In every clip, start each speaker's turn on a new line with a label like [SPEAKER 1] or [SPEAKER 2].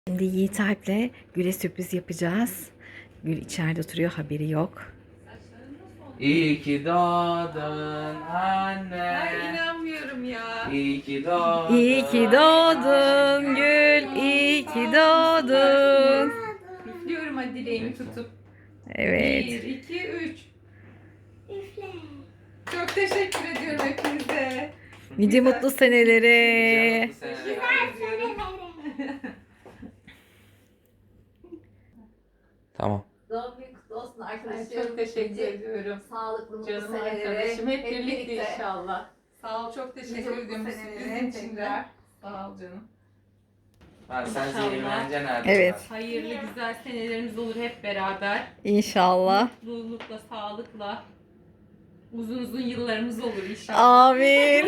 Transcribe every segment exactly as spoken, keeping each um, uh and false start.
[SPEAKER 1] Şimdi Yiğit Alp'le Gül'e sürpriz yapacağız. Gül içeride oturuyor, haberi yok.
[SPEAKER 2] İyi ki doğdun anne.
[SPEAKER 3] Ay inanmıyorum ya.
[SPEAKER 2] İyi ki doğdun.
[SPEAKER 1] İyi ki doğdun Gül, iyi ki doğdun.
[SPEAKER 3] Üflüyorum hadi dileğimi tutup.
[SPEAKER 1] Evet.
[SPEAKER 3] Bir, iki, üç. Üfle. Çok teşekkür ediyorum hepinize.
[SPEAKER 1] Nice
[SPEAKER 3] Güzel.
[SPEAKER 1] mutlu senelere.
[SPEAKER 2] Bu sene-
[SPEAKER 3] Teşekkür ediyorum.
[SPEAKER 2] Tamam.
[SPEAKER 4] Doğum günü kutlu olsun
[SPEAKER 3] Ay,
[SPEAKER 4] arkadaşlar.
[SPEAKER 3] çok teşekkür ediyorum.
[SPEAKER 4] Sağlıklı, mutlu
[SPEAKER 3] Canım
[SPEAKER 4] senelere.
[SPEAKER 3] arkadaşım. Hep birlikte inşallah. Sağ ol, çok teşekkür
[SPEAKER 4] Nice
[SPEAKER 3] ediyorum bu
[SPEAKER 4] mutlu senelere
[SPEAKER 3] sürprizin için de.
[SPEAKER 4] tekrar.
[SPEAKER 3] Sağ ol canım.
[SPEAKER 2] Ha, sen
[SPEAKER 3] İnşallah.
[SPEAKER 2] zehirleneceksin nerede?
[SPEAKER 1] Evet.
[SPEAKER 3] Hayırlı güzel senelerimiz olur hep beraber.
[SPEAKER 1] İnşallah.
[SPEAKER 3] Mutlulukla, sağlıkla. Uzun uzun yıllarımız olur inşallah.
[SPEAKER 1] Amin.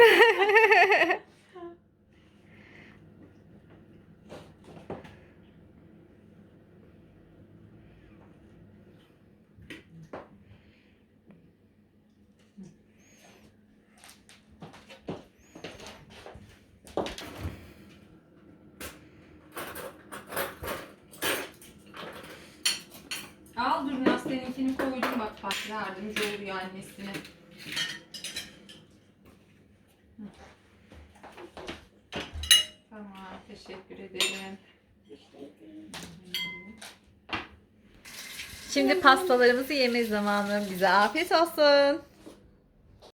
[SPEAKER 3] Al dur seninkini koydum bak bak yardımcı oluyor annesine. Hı. Tamam teşekkür ederim.
[SPEAKER 1] Şimdi pastalarımızı yeme zamanı. Bize afiyet olsun.